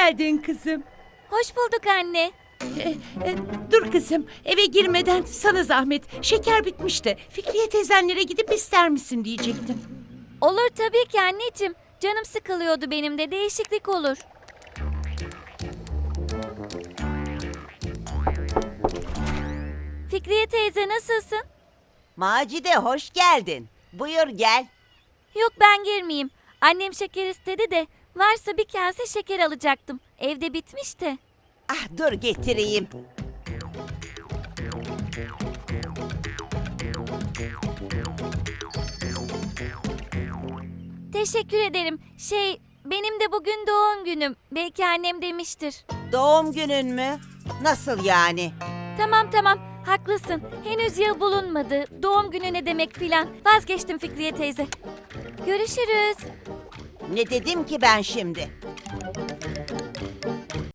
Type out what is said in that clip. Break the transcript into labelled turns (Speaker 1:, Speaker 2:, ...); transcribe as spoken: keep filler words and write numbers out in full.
Speaker 1: geldin kızım.
Speaker 2: Hoş bulduk anne.
Speaker 1: E, e, dur kızım, eve girmeden sana zahmet. Şeker bitmişti. Fikriye teyzenlere gidip ister misin diyecektim.
Speaker 2: Olur tabii ki anneciğim. Canım sıkılıyordu benim de, değişiklik olur. Fikriye teyze nasılsın?
Speaker 3: Macide hoş geldin. Buyur gel.
Speaker 2: Yok ben girmeyeyim. Annem şeker istedi de varsa bir kase şeker alacaktım. Evde bitmişti.
Speaker 3: Ah dur getireyim.
Speaker 2: Teşekkür ederim. Şey, benim de bugün doğum günüm. Belki annem demiştir.
Speaker 3: Doğum günün mü? Nasıl yani?
Speaker 2: Tamam tamam, haklısın. Henüz yıl bulunmadı. Doğum günü ne demek filan. Vazgeçtim Fikriye teyze. Görüşürüz.
Speaker 3: Ne dedim ki ben şimdi?